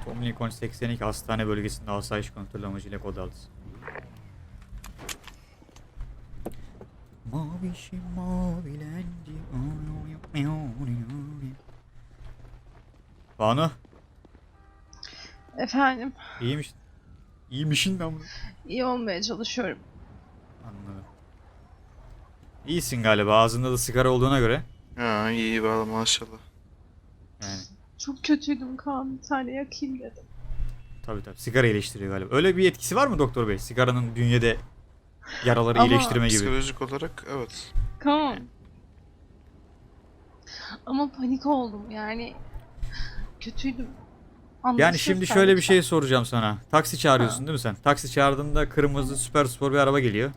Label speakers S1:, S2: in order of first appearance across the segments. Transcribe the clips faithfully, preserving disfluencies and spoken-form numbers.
S1: Komlikon seksen iki hastane bölgesinde asayiş kontrolü amacıyla kod aldı. Mavişim mavilendi. Banu,
S2: Efendim,
S1: iyiymiş. İyiymişin ben bunu.
S2: iyi olmaya çalışıyorum.
S1: Anladım. İyisin galiba. Ağzında da sigara olduğuna göre.
S3: Ha iyi valla maşallah.
S1: Yani
S2: Çok kötüydüm Kaan, bir tane yakayım dedim.
S1: tabii tabii. Sigara iyileştiriyor galiba. Öyle bir etkisi var mı doktor bey? Sigaranın bünyede yaraları
S2: Ama-
S1: iyileştirme gibi.
S3: Psikolojik olarak evet.
S2: Kaan. Ama panik oldum yani. Kötüydüm.
S1: Yani
S2: Anlaşılır
S1: şimdi
S2: sen
S1: şöyle bir
S2: lütfen.
S1: şey soracağım sana. Taksi çağırıyorsun
S2: Ha.
S1: değil mi sen? Taksi çağırdığında kırmızı süper spor bir araba geliyor.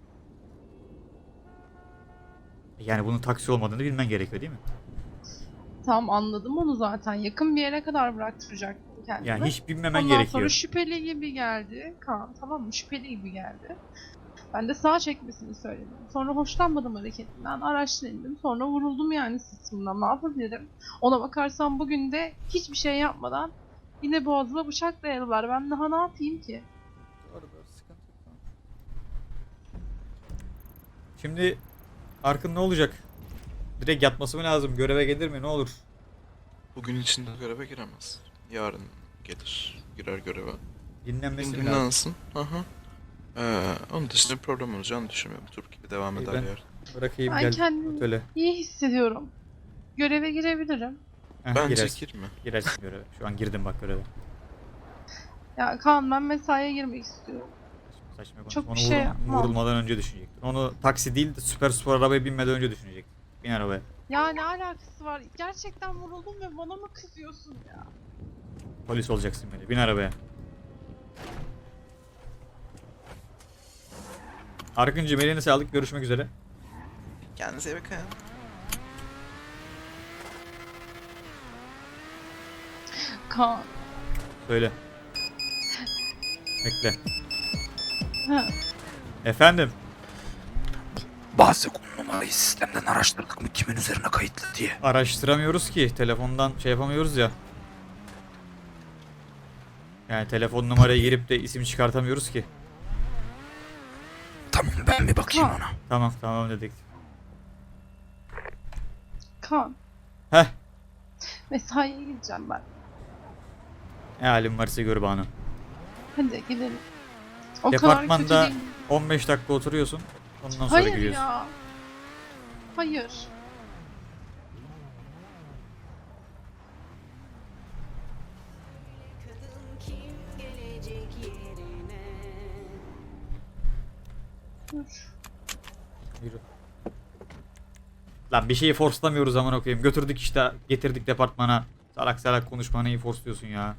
S1: Yani bunun taksi olmadığını bilmen gerekiyor değil mi?
S2: Tamam, anladım onu zaten. Yakın bir yere kadar bıraktıracaktım kendimi.
S1: Yani hiç bilmemen
S2: Ondan
S1: gerekiyor.
S2: sonra şüpheli gibi geldi Kaan, tamam mı? Şüpheli gibi geldi. Ben de sağa çekmesini söyledim. Sonra hoşlanmadım hareketinden. Araçtan indim. Sonra vuruldum yani sırtımdan. Ne yapabilirim? Ona bakarsan bugün de hiçbir şey yapmadan yine boğazıma bıçak dayadılar. Ben daha ne yapayım ki?
S1: Şimdi Arkın ne olacak? Direkt yatması mı lazım? Göreve gelir mi? Ne olur?
S3: Bugün içinde göreve giremez. Yarın gelir. Girer göreve.
S1: Dinlenmesi
S3: Bugün
S1: mi lazım?
S3: dinlensin. Aha. Ee, onun dışında bir problem olacağını düşünmüyorum. Türk gibi devam
S1: İyi,
S3: eder
S1: ben-
S3: yarın.
S1: Bırakayım
S2: Ben
S1: gel
S2: kendimi
S1: otele.
S2: iyi hissediyorum. Göreve girebilirim.
S1: Heh,
S3: Bence
S1: girersin.
S3: girme.
S1: Girersin göreve. Şu an girdim bak göreve.
S2: Ya Kaan, ben mesaiye girmek istiyorum.
S1: Saçma konuşma.
S2: Çok
S1: Onu
S2: bir şey
S1: vurul-
S2: yapmam.
S1: vurulmadan önce düşünecektin. Onu taksi değil de süper spor arabaya binmeden önce düşünecektin. Bin arabaya.
S2: Ya ne alakası var? Gerçekten vuruldum ve bana mı kızıyorsun ya?
S1: Polis olacaksın böyle. Bin arabaya. Arkıncığım eline sağlık. Görüşmek üzere.
S3: Kendinize iyi bakın.
S2: Kaan.
S1: Söyle. Bekle.
S2: Ha.
S1: Efendim.
S4: Bazı konu numarayı sistemden araştırdık mı kimin üzerine kayıtlı diye.
S1: Araştıramıyoruz ki. Telefondan şey yapamıyoruz ya. Yani telefon numaraya girip de isim çıkartamıyoruz ki.
S4: Tamam, ben bir bakayım
S2: Ha.
S4: ona.
S1: Tamam tamam dedik.
S2: Kaan.
S1: Heh.
S2: Mesaiye gideceğim ben.
S1: Ne halin varsa gör bana.
S2: Hadi gidelim. O kadar
S1: Departmanda
S2: kötü değil.
S1: on beş dakika oturuyorsun. Ondan sonra
S2: Hayır
S1: giriyorsun.
S2: ya. Hayır. Dur.
S1: Yürü. Lan bir şeyi forslamıyoruz aman okuyayım. Götürdük işte getirdik departmana. Salak salak konuşma neyi forsluyorsun ya.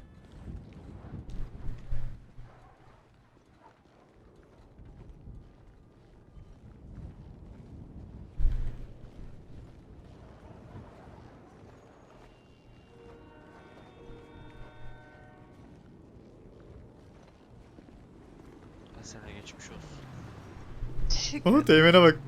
S5: Sana geçmiş olsun.
S2: Teşekkür
S1: Aha teğmene bak.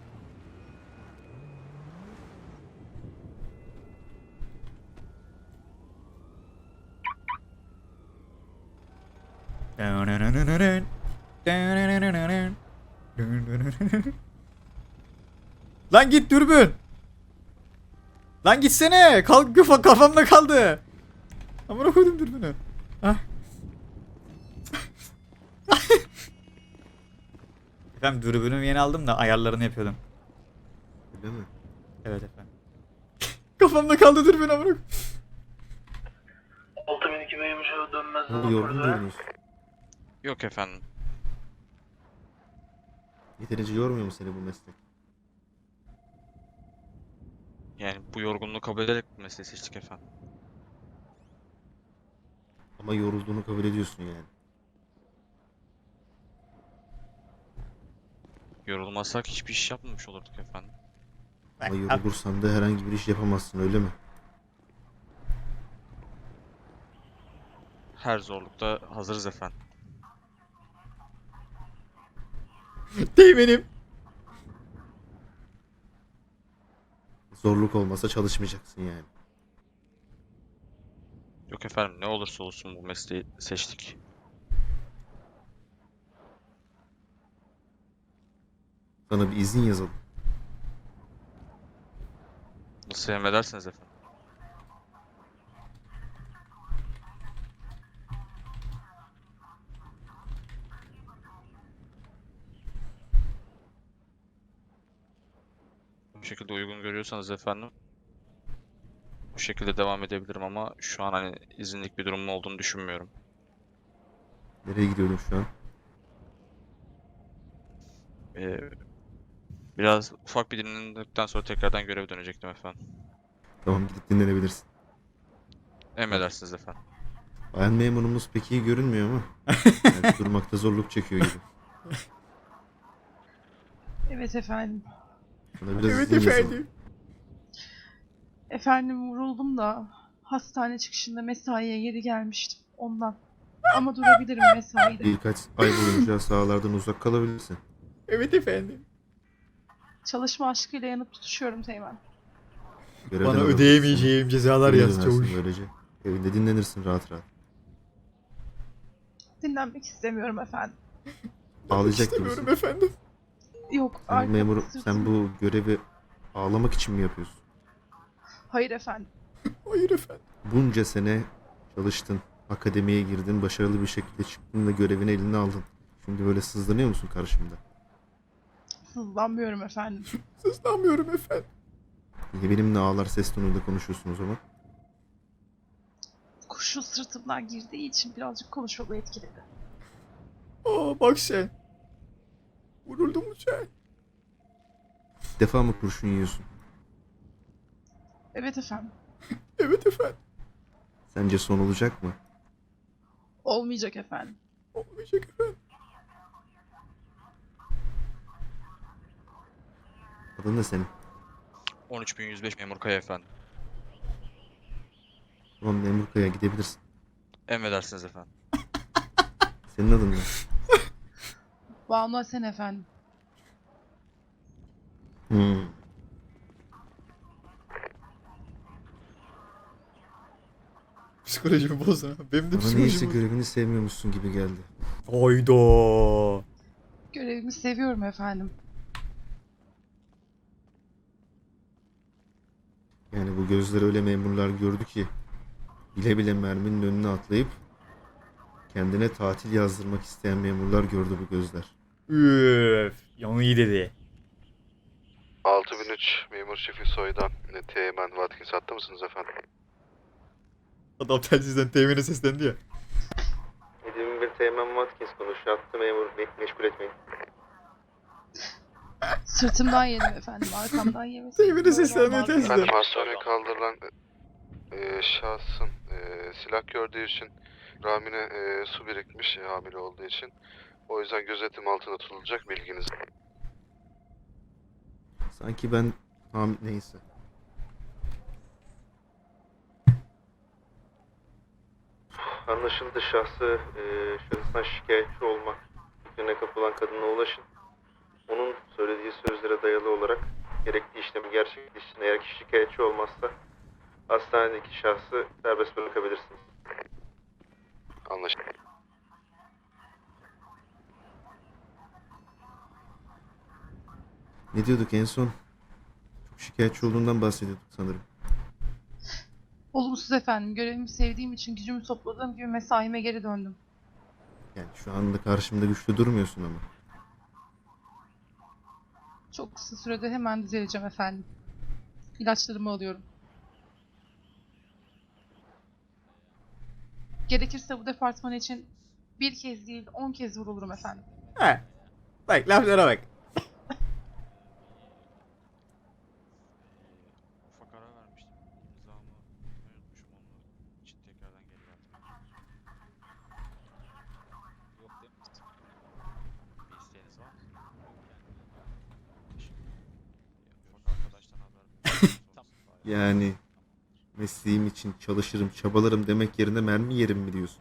S1: Lan git dürbün. Lan gitsene. Kalk kafa kafamda kaldı. Amına koydum dürbünü. Hah. Efendim dürbünümü yeni aldım da ayarlarını yapıyordum.
S6: Değil mi?
S1: Evet efendim. Kafamda kaldı dürbün amına.
S7: altı bin iki Beymiş'e dönmez.
S6: Ne oldu, yorgun görünüyorsun.
S5: Yok efendim.
S6: Yeterince yormuyor mu seni bu meslek?
S5: Yani bu yorgunluğu kabul ederek bu mesleği seçtik efendim.
S6: Ama yorulduğunu kabul ediyorsun yani.
S5: Yorulmasak hiçbir iş yapmamış olurduk efendim.
S6: Ama yorulursan da herhangi bir iş yapamazsın, öyle mi?
S5: Her zorlukta hazırız efendim.
S1: Teğmenim.
S6: Zorluk olmasa çalışmayacaksın yani.
S5: Yok efendim, ne olursa olsun bu mesleği seçtik.
S6: Sana bir izin yazalım.
S5: Nasıl emredersiniz efendim? Bu şekilde uygun görüyorsanız efendim, bu şekilde devam edebilirim ama şu an hani izinlik bir durumum olduğunu düşünmüyorum.
S6: Nereye gidiyordun şu an?
S5: Ee, biraz ufak bir dinlendikten sonra tekrardan göreve dönecektim efendim.
S6: Tamam, gidip dinlenebilirsin.
S5: Emredersiniz efendim.
S6: Bayan memurumuz pek iyi görünmüyor ama. Yani durmakta zorluk çekiyor gibi.
S2: Evet efendim.
S6: Sana biraz
S1: Evet
S6: izin yazalım.
S1: efendim.
S2: Efendim vuruldum da hastane çıkışında mesaiye geri gelmiştim ondan. Ama durabilirim mesaide.
S6: Birkaç ay boyunca sahalardan uzak kalabilirsin.
S1: Evet efendim.
S2: Çalışma aşkıyla yanıp tutuşuyorum Teğmen.
S6: Görevden
S1: Bana
S6: alabilirsin.
S1: ödeyemeyeceğim cezalar
S6: Geriye
S1: yaz
S6: dönersin
S1: çavuş.
S6: Böylece evinde dinlenirsin rahat rahat.
S2: Dinlenmek istemiyorum efendim.
S6: Ağlayacak
S1: İstemiyorum
S6: gibisin.
S1: efendim.
S2: Yok
S6: Sen
S2: arkamı
S6: memur,
S2: sırtımı-
S6: sen bu görevi ağlamak için mi yapıyorsun?
S2: Hayır efendim.
S1: Hayır efendim.
S6: Bunca sene çalıştın, akademiye girdin, başarılı bir şekilde çıktın ve görevini eline aldın. Şimdi böyle sızlanıyor musun karşımda?
S2: Sızlanmıyorum efendim.
S1: Sızlanmıyorum efendim.
S6: Niye benimle ağlar ses tonuyla konuşuyorsun o zaman?
S2: Kurşun sırtımdan girdiği için birazcık konuşmamı etkiledi.
S1: Aa bak sen. Vuruldun mu sen?
S6: İlk defa mı kurşun yiyorsun?
S2: Evet efendim.
S1: Evet efendim.
S6: Sence son olacak mı?
S2: Olmayacak efendim.
S1: Olmayacak efendim.
S6: Adın ne senin?
S5: on üç bin yüz beş memur Kaya efendim.
S6: Tamam, memur kaya gidebilirsin.
S5: Emredersiniz efendim.
S6: Senin adın ne?
S2: Banu Asen efendim.
S6: Hmm.
S1: Psikolojimi bozdun ha. Benim de
S6: Bana neyse
S1: psikolojimi bozdun.
S6: görevini sevmiyormuşsun gibi geldi.
S1: Hayda.
S2: Görevimi seviyorum efendim.
S6: Yani bu gözler öyle memurlar gördü ki bile bile merminin önüne atlayıp kendine tatil yazdırmak isteyen memurlar gördü bu gözler.
S1: Üf. Yanı iyi dedi.
S8: altı bin üç memur şefi soydan Teğmen Watkins hatta mısınız efendim?
S1: Adam telsizden temine seslendi ya.
S6: yedi bir Teğmen Watkins konuşuyor. Hattı memur me- meşgul etmeyin.
S2: Sırtımdan yedim efendim. Arkamdan yemesin.
S1: Temine
S2: Böyle
S1: seslenmiyor
S2: olmaz.
S1: telsizden.
S8: Efendim hastaneye kaldırılan e, şahsın e, silah gördüğü için rahmine e, su birikmiş e, hamile olduğu için. O yüzden gözetim altında tutulacak, bilginiz.
S6: Sanki ben ham neyse. Anlaşıldı, şahsı e, şahıstan şikayetçi olmak fikrine kapılan kadına ulaşın. Onun söylediği sözlere dayalı olarak gerekli işlemi gerçekleştirin. Eğer ki şikayetçi olmazsa hastanedeki şahsı serbest bırakabilirsiniz.
S8: Anlaşıldı.
S6: Ne diyorduk en son? Çok şikayetçi olduğundan bahsediyorduk sanırım.
S2: Olumsuz efendim. Görevimi sevdiğim için gücümü topladığım gibi mesaime geri döndüm.
S6: Yani şu anda karşımda güçlü durmuyorsun ama.
S2: Çok kısa sürede hemen düzeleceğim efendim. İlaçlarımı alıyorum. Gerekirse bu departman için bir kez değil on kez vurulurum efendim.
S1: He. Bak laflara bak.
S5: Ufak ara vermiştim. İmzamı unutmuşum, onun için tekrardan geri geldim. Yok değil mi? Bir isteğiniz var mı? Ufak arkadaştan haber. Tamam.
S6: Yani mesleğim için çalışırım, çabalarım demek yerine mermi yerim mi diyorsun?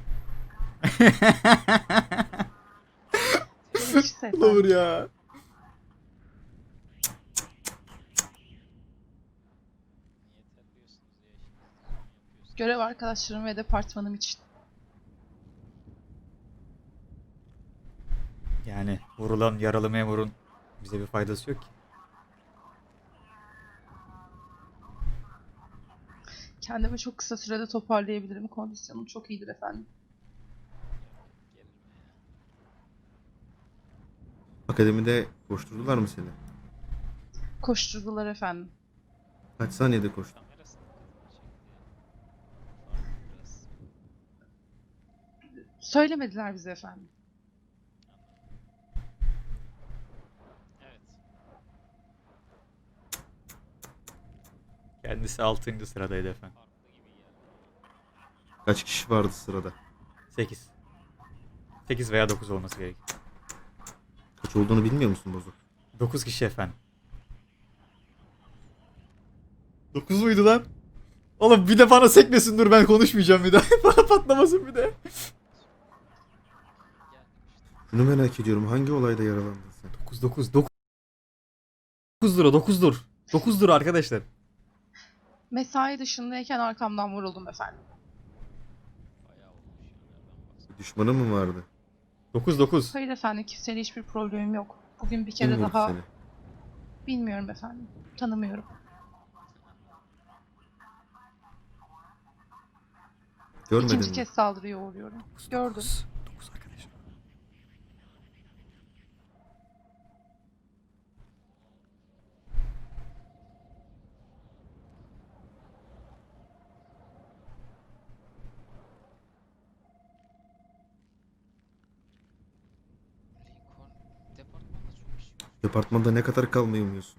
S2: Gerekirse efendim.
S1: Olur ya.
S2: Görev arkadaşlarım ve departmanım için.
S1: Yani vurulan yaralı memurun bize bir faydası yok ki.
S2: Kendimi çok kısa sürede toparlayabilirim. Kondisyonum çok iyidir efendim.
S6: Akademide koşturdular mı seni?
S2: Koşturdular efendim.
S6: Kaç saniyede koştun?
S2: Söylemediler bize efendim.
S1: Kendisi altıncı sıradaydı efendim.
S6: Kaç kişi vardı sırada?
S1: sekiz. sekiz veya dokuz olması gerek.
S6: Kaç olduğunu bilmiyor musun Bozuk?
S1: dokuz kişi efendim. dokuz muydu lan? Oğlum bir de bana sekmesin, dur ben konuşmayacağım bir daha. Bana patlamasın bir de.
S6: Şunu merak ediyorum. Hangi olayda yaralandın sen?
S1: dokuz dokuz dokuz. dokuz lira dokuz dur. dokuz lira arkadaşlar.
S2: Mesai dışındayken arkamdan vuruldum efendim.
S6: Bir düşmanın mı vardı?
S1: dokuz dokuz.
S2: Hayır efendim, kimseyle hiçbir problemim yok. Bugün bir
S6: Kim
S2: kere
S6: vurdu
S2: daha
S6: seni?
S2: bilmiyorum efendim. Tanımıyorum.
S6: Görmedin
S2: İkinci
S6: mi?
S2: kez saldırıya uğruyorum. Gördüm.
S1: dokuz arkadaşlar.
S6: Departmanda ne kadar kalmayı umuyorsun?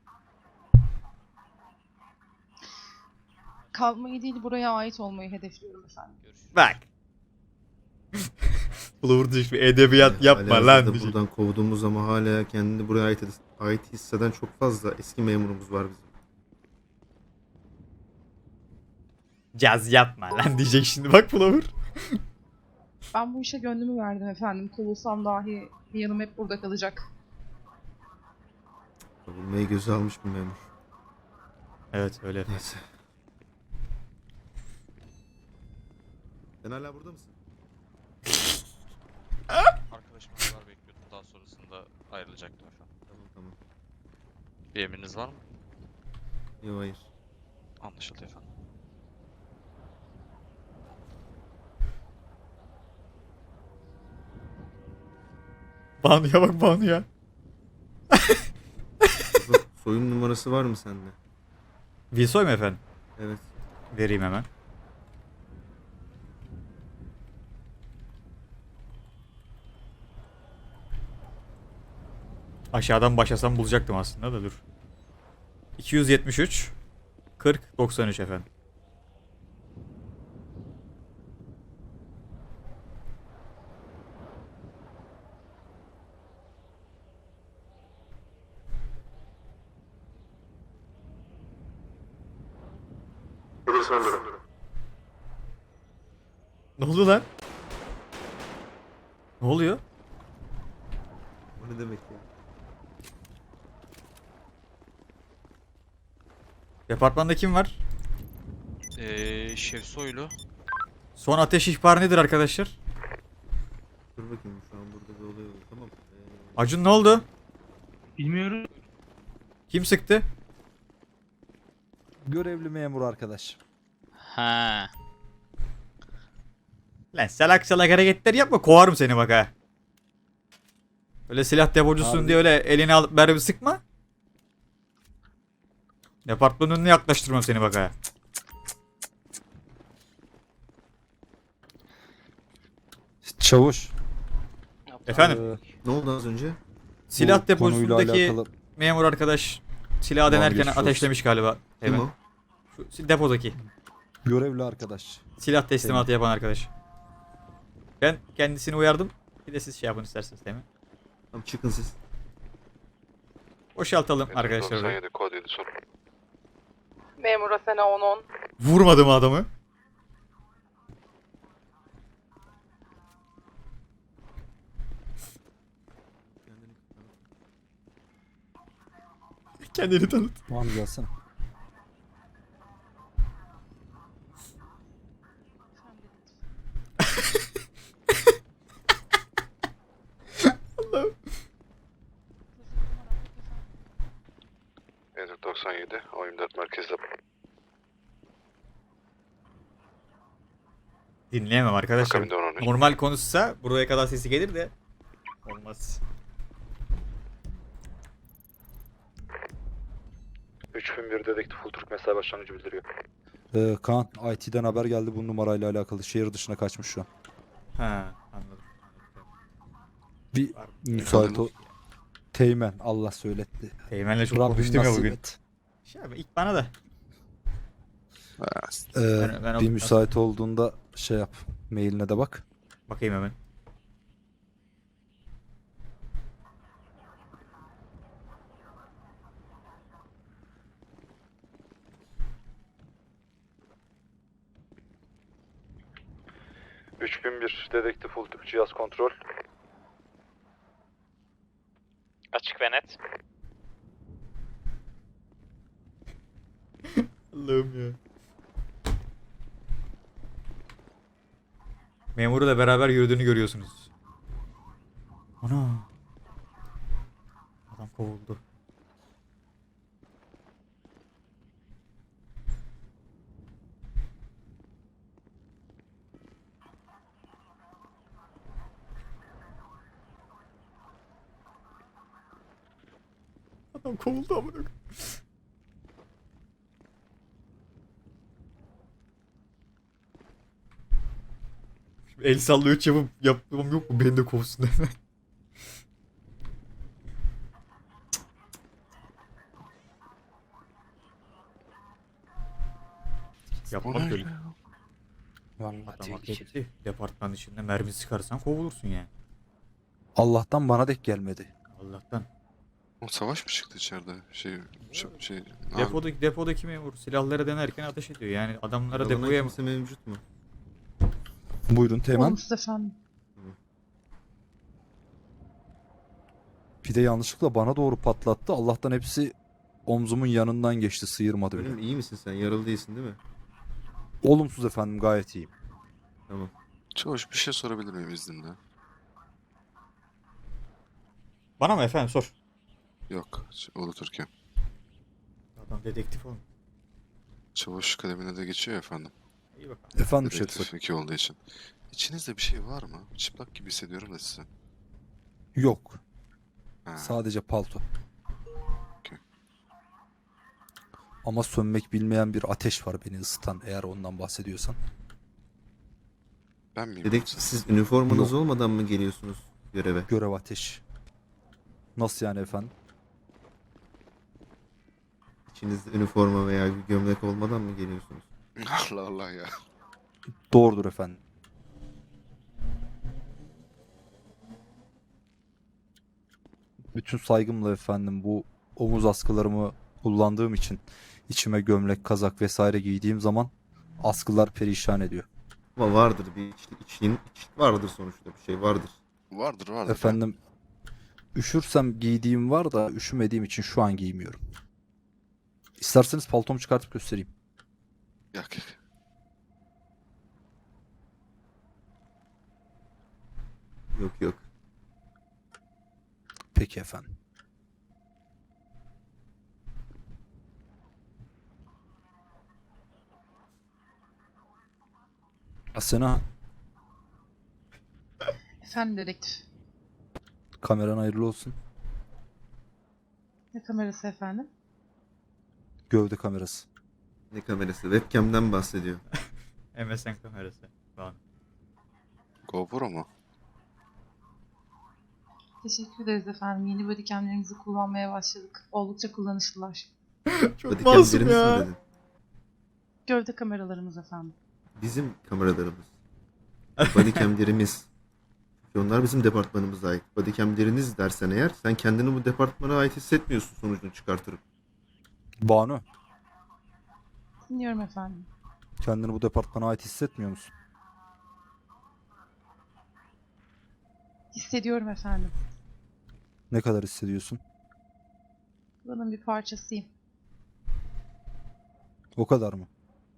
S2: Kalmayı değil, buraya ait olmayı hedefliyorum efendim.
S1: Bak. Bulur bir edebiyat yapma
S6: Halihazırda
S1: lan. diyecek.
S6: buradan kovduğumuz ama hala kendini buraya ait, ait hisseden çok fazla eski memurumuz var bizim.
S1: Caz yapma lan diyecek şimdi, bak Flower.
S2: Ben bu işe gönlümü verdim efendim. Kovulsam dahi bir yanım hep burada kalacak.
S6: Kovulmayı göze almış bir memur.
S1: Evet öyle.
S6: Neyse. Sen hala burada mısın?
S5: Arkadaşım haber bekliyordum. Daha sonrasında ayrılacaktım efendim.
S6: Tamam tamam.
S5: Bir emriniz var mı?
S6: Yok hayır.
S5: Anlaşıldı efendim.
S1: Banu'ya bak Banu'ya.
S6: Bak, soyun numarası var mı sende?
S1: Vilsoy mu efendim?
S6: Evet.
S1: Vereyim hemen. Aşağıdan başlasam bulacaktım aslında da dur. iki yüz yetmiş üç kırk doksan üç efendim. Ne oldu lan? Ne oluyor?
S6: O ne demek ya?
S1: Departmanda kim var?
S5: Eee Şevsoylu.
S1: Son ateş ihbarı nedir arkadaşlar?
S6: Dur bakayım, şu an burada bir olay oldu. Tamam. Ee,
S1: Acun ne oldu?
S7: Bilmiyorum.
S1: Kim sıktı?
S9: Görevli memur arkadaş.
S10: Ha.
S1: Lan salak salak hareketler yapma, kovarım seni bak ha. Öyle silah depocusun
S9: Abi.
S1: diye öyle elini alıp mermi sıkma. Departmanın önüne yaklaştırmam seni bak ha.
S9: Çavuş.
S1: Efendim?
S9: Ee,
S6: ne oldu az önce?
S1: Silah
S9: bu konuyla
S1: deposundaki
S9: alakalı-
S1: memur arkadaş silahı
S9: Tamam,
S1: denerken
S9: geçmiş olsun.
S1: ateşlemiş galiba.
S6: Kim
S1: Evet.
S6: o?
S1: Şu depodaki
S9: Görevli arkadaş.
S1: silah teslimatı yapan arkadaş. Ben kendisini uyardım. Bir de siz şey yapın isterseniz, değil mi?
S6: Tamam, çıkın siz.
S1: Boşaltalım arkadaşlar.
S8: doksan
S1: orayı.
S8: yedi kod yedi son.
S2: Memur Asena on on.
S1: Vurmadım adamı. Kendini tanıt.
S9: Tamam gelsene.
S8: dört doksan yedi, on yirmi dört merkezde.
S1: Dinleyemem arkadaşlar.
S8: Akabinde on on üç.
S1: Normal konuşsa buraya kadar sesi gelir de olmaz.
S4: üç bin bir dedektif full Türk mesai başlangıcı bildiriyor.
S9: Ee, Kaan, I T'den haber geldi bu numarayla alakalı. Şehir dışına kaçmış şu an.
S1: Ha, anladım.
S9: Bir
S1: Var.
S9: müsait o. Teğmen, Allah söyletti.
S1: Teğmen'le çok
S9: Rabbim
S1: konuştum ya
S9: nasip
S1: bugün.
S9: et.
S1: Şey abi, ilk bana da.
S9: Ee,
S1: Ben- ben
S9: bir
S1: o-
S9: müsait olduğunda şey yap. Mailine de bak.
S1: Bakayım hemen.
S4: üç bin bir dedektif full Türk cihaz kontrol.
S10: Açık ve net.
S1: Allah'ım ya. Memurla beraber yürüdüğünü görüyorsunuz. Ana. Adam kovuldu. Adam kovuldu amına koyayım. Şimdi el salla üç yapıp yapmam yok mu? Beni de kovsun hemen. Yapmam böyle.
S9: Vallahi
S1: Adam hak
S9: tehlikeli.
S1: etti. Departman içinde mermi sıkarsan kovulursun yani.
S9: Allah'tan bana dek gelmedi.
S1: Allah'tan.
S8: O savaş mı çıktı içeride? Şey, şey, şey
S1: Depodaki, depodaki memur silahlara denerken ateş ediyor. Yani adamlara depoya mı?
S6: mevcut mu?
S9: Buyurun Teğmen.
S2: Olumsuz efendim.
S9: Bir de yanlışlıkla bana doğru patlattı. Allah'tan hepsi omzumun yanından geçti. Sıyırmadı bile.
S6: İyi misin sen? Yaralı değilsin değil mi?
S9: Olumsuz efendim, gayet iyiyim.
S6: Tamam.
S8: Çavuş bir şey sorabilir miyim izninle?
S1: Bana mı efendim sor.
S8: Yok, Ulu Türkiye.
S1: Adam dedektif oğlum.
S8: Çavuş kademine de geçiyor ya efendim.
S1: İyi bakalım.
S9: Efendim
S8: Dedektif
S9: Şerif.
S8: iki olduğu için. İçinizde bir şey var mı? Çıplak gibi hissediyorum da size.
S9: Yok.
S8: Ha,
S9: Sadece palto.
S8: Okey.
S9: Ama sönmek bilmeyen bir ateş var beni ısıtan, eğer ondan bahsediyorsan.
S8: ben miyim?
S6: Dedektif
S8: yoksa?
S6: siz üniformanız
S9: Yok.
S6: olmadan mı geliyorsunuz göreve?
S9: Görev ateş. Nasıl yani efendim?
S6: İçinizde üniforma veya bir gömlek olmadan mı geliyorsunuz?
S8: Allah Allah ya.
S9: Doğrudur efendim. Bütün saygımla efendim, bu omuz askılarımı kullandığım için içime gömlek, kazak vesaire giydiğim zaman askılar perişan ediyor.
S6: Ama vardır bir içlik, içliğin, içlik vardır sonuçta bir şey vardır.
S8: Vardır vardır.
S9: Efendim, üşürsem giydiğim var da üşümediğim için şu an giymiyorum. İsterseniz paltomu çıkartıp göstereyim.
S8: Yak yak.
S6: Yok yok.
S9: Peki efendim. Asena,
S2: Efendim dedektif.
S9: kameran hayırlı olsun.
S2: Ne kamerası efendim?
S9: Gövde kamerası.
S6: Ne kamerası? Webcam'den bahsediyor.
S1: M S N kamerası falan.
S8: GoPro mu?
S2: Teşekkür ederiz efendim. Yeni bodycamlerimizi kullanmaya başladık. Oldukça kullanışlılar.
S1: Çok
S6: Bodycam
S1: masum
S6: birimiz mi
S1: ya.
S6: dedin?
S2: Gövde kameralarımız efendim.
S6: Bizim kameralarımız. Bodycam'lerimiz. Çünkü onlar bizim departmanımıza ait. Bodycam'leriniz dersen eğer sen kendini bu departmana ait hissetmiyorsun sonucunu çıkartırıp.
S9: Banu,
S2: Dinliyorum efendim.
S9: kendini bu departmana ait hissetmiyor musun?
S2: Hissediyorum efendim.
S9: Ne kadar hissediyorsun?
S2: Buranın bir parçasıyım.
S9: O kadar mı?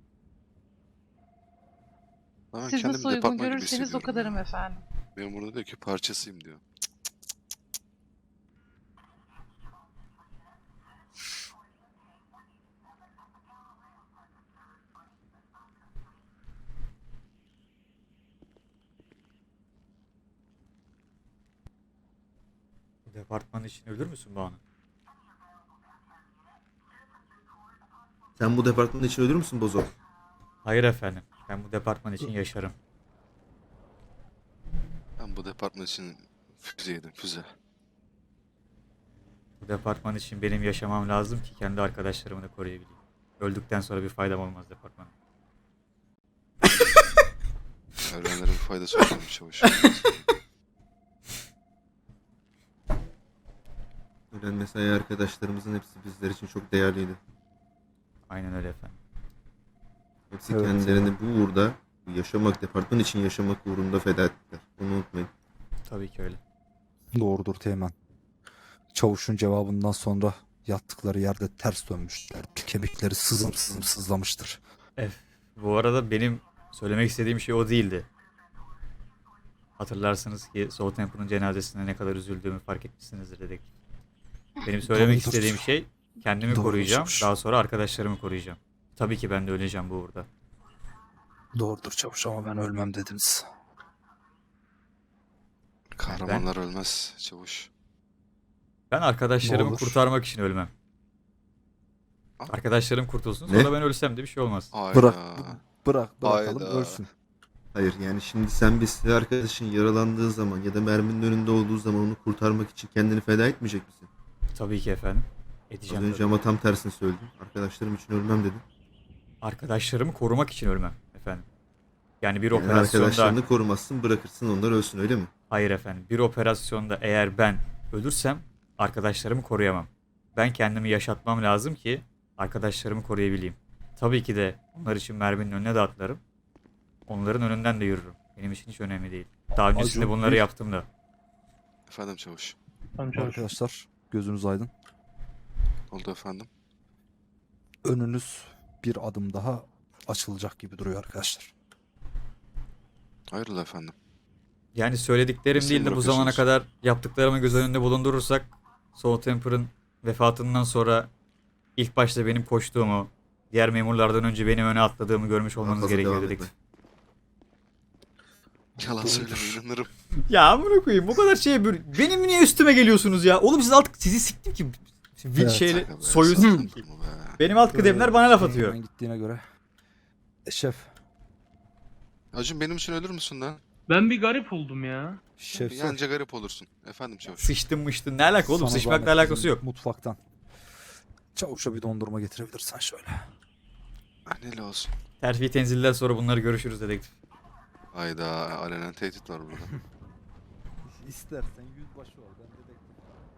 S8: Ben
S2: Siz
S8: kendimi
S2: nasıl uygun
S8: departman gibi
S2: görürseniz o
S8: hissediyorum
S2: kadarım
S8: ya.
S2: efendim.
S8: Benim burada diyor ki parçasıyım diyor.
S1: Bu departman için ölür müsün Banu?
S6: Sen bu departman için ölür müsün Bozo?
S1: Hayır efendim. Ben bu departman için yaşarım.
S8: Ben bu departman için füze yedim füze.
S1: Bu departman için benim yaşamam lazım ki kendi arkadaşlarımı da koruyabileyim. Öldükten sonra bir faydam olmaz departmana.
S8: Ölenlere bir faydası olmamış çavuş.
S6: Ölen mesai arkadaşlarımızın hepsi bizler için çok değerliydi.
S1: Aynen öyle efendim.
S6: Hepsi
S9: Evet.
S6: kendilerini bu uğurda, bu yaşamak, departman için yaşamak uğrunda feda ettiler. Bunu unutmayın.
S1: Tabii ki öyle.
S9: Doğrudur Teğmen. Çavuşun cevabından sonra yattıkları yerde ters dönmüşler. Kemikleri sızım sızım sızlamıştır.
S1: Bu arada benim söylemek istediğim şey o değildi. Hatırlarsınız ki Soul Temple'ın cenazesinde ne kadar üzüldüğümü fark etmişsinizdir dedik. Benim söylemek
S9: Doğrudur.
S1: istediğim şey kendimi
S9: Doğrudur.
S1: koruyacağım. Daha sonra arkadaşlarımı koruyacağım. Tabii ki ben de öleceğim bu uğurda.
S9: Doğrudur çavuş ama ben ölmem dediniz.
S8: Kahramanlar ölmez çavuş.
S1: Ben arkadaşlarımı
S9: olur.
S1: kurtarmak için ölmem.
S8: Ah.
S1: Arkadaşlarım kurtulsun
S6: Ne?
S1: sonra ben ölsem de bir şey olmaz.
S8: Hayda.
S9: Bırak. Bırak bırakalım
S8: Hayda.
S9: ölsün.
S6: Hayır yani şimdi sen bir silah arkadaşın yaralandığı zaman ya da merminin önünde olduğu zaman onu kurtarmak için kendini feda etmeyecek misin?
S1: Tabii ki efendim.
S6: Az
S1: Edeceğim
S6: önce
S1: tabii.
S6: ama tam tersini söyledin. Arkadaşlarım için ölmem dedin.
S1: Arkadaşlarımı korumak için ölmem efendim. Yani bir
S6: Yani
S1: operasyonda...
S6: arkadaşlarını korumazsın, bırakırsın onlar ölsün öyle mi?
S1: Hayır efendim. Bir operasyonda eğer ben ölürsem arkadaşlarımı koruyamam. Ben kendimi yaşatmam lazım ki arkadaşlarımı koruyabileyim. Tabii ki de onlar için merminin önüne de atlarım. Onların önünden de yürürüm. Benim için hiç önemli değil. Daha öncesinde
S9: Acun,
S1: bunları
S9: bir-
S1: yaptım da.
S8: Efendim çavuş.
S9: Arkadaşlar gözünüz aydın.
S8: Oldu efendim.
S9: Önünüz bir adım daha açılacak gibi duruyor arkadaşlar.
S8: Hayırlı efendim.
S1: Yani söylediklerim
S8: Nasıl
S1: değil de bu zamana
S8: bırakıyorsunuz?
S1: kadar yaptıklarımı göz önünde bulundurursak Soul Temper'ın vefatından sonra ilk başta benim koştuğumu, diğer memurlardan önce benim öne atladığımı görmüş olmanız
S6: fazla
S1: gerekiyor
S6: devam
S1: dedik.
S6: etme.
S8: Yalan söyleme inanırım.
S1: Ya amına koyayım bu kadar şeye böyle... Benim niye üstüme geliyorsunuz ya? Oğlum siz artık sizi siktim ki. Vil
S9: Evet.
S1: şeyle
S8: Şaka be,
S1: soyu
S8: sakın
S1: siktim ki.
S8: durma be.
S1: Benim alt kıdemler bana laf atıyor.
S9: Teğmen gittiğine göre. E, şef.
S8: Acun benim için ölür müsün lan?
S7: Ben bir garip oldum ya.
S9: Şef.
S8: Yanca garip olursun. Efendim çavuş.
S1: Sıçtın mıştın ne alaka oğlum?
S9: Sana
S1: Sıçmakla
S9: zahmet
S1: alakası
S9: bizim
S1: yok.
S9: Mutfaktan. Çavuşa bir dondurma getirebilirsen şöyle.
S8: Anneli olsun.
S1: Terfi tenzilden sonra bunları görüşürüz dedektif.
S8: Hayda alenen tehdit var burada.
S9: İstersen yüzbaşı ol. Ben dedektif.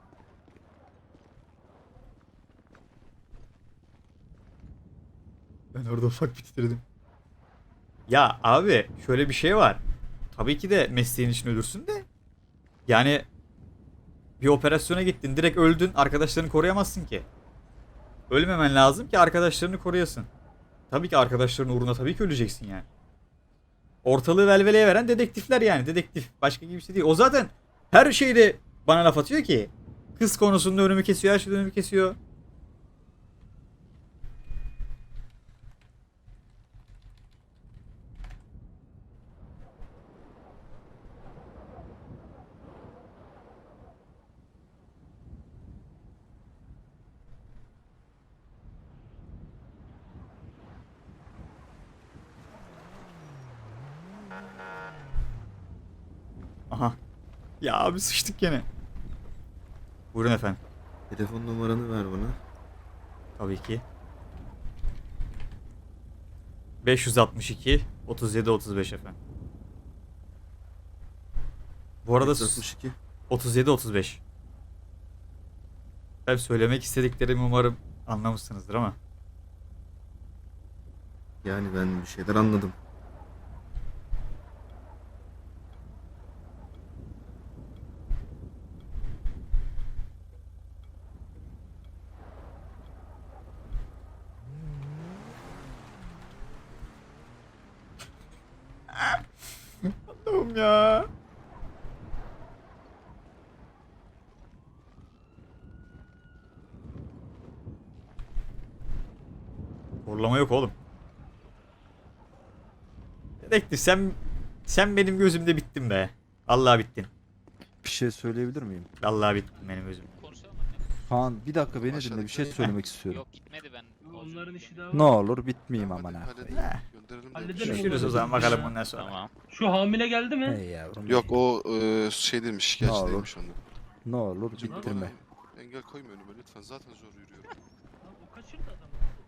S1: Ben orada ufak bitirdim. Ya abi şöyle bir şey var. Tabii ki de mesleğin için ölürsün de. Yani bir operasyona gittin direkt öldün arkadaşlarını koruyamazsın ki. Ölmemen lazım ki arkadaşlarını koruyasın. Tabii ki arkadaşların uğruna tabii ki öleceksin yani. Ortalığı velveleye veren dedektifler yani dedektif. Başka gibi bir şey değil. O zaten her şeyde bana laf atıyor ki. Kız konusunda önümü kesiyor her şeyde önümü kesiyor. Aha. Ya abi sıçtık gene. Buyurun efendim.
S6: Telefon numaranı ver bana.
S1: Tabii ki. beş yüz altmış iki otuz yedi otuz beş efendim. Bu arada
S6: beş yüz altmış iki.
S1: otuz yedi otuz beş. Ben söylemek istediklerimi umarım anlamışsınızdır ama.
S6: Yani ben bir şeyler anladım.
S1: Allah'ım ya. Horlama yok oğlum. Dedektif sen sen benim gözümde bittin be. Allah bittin.
S9: Bir şey söyleyebilir miyim?
S1: Vallahi bitti benim özüm.
S9: Kaan bir dakika beni dinle,
S8: Aşağıdaki-
S9: bir şey söylemek istiyorum.
S10: Yok gitmedi ben.
S7: Onların işi daha
S9: Ne
S7: var.
S9: olur bitmeyeyim
S8: Tamam,
S9: aman
S8: hadi
S9: ha.
S8: halledelim.
S1: Heh.
S8: Gönderelim de.
S7: Halledelim
S8: Şey-
S1: Görüşürüz o zaman bakalım ondan sonra.
S10: Tamam.
S7: Şu hamile geldi mi?
S9: Hey yavrum.
S8: Yok o e, şey değilmiş, şikayetçi
S9: Ne olur.
S8: değilmiş ondan.
S9: Ne olur
S8: Hocam
S9: bittirme.
S8: bana engel koyma önüme lütfen, zaten zor yürüyorum.
S7: Lan o kaçırdı adamı.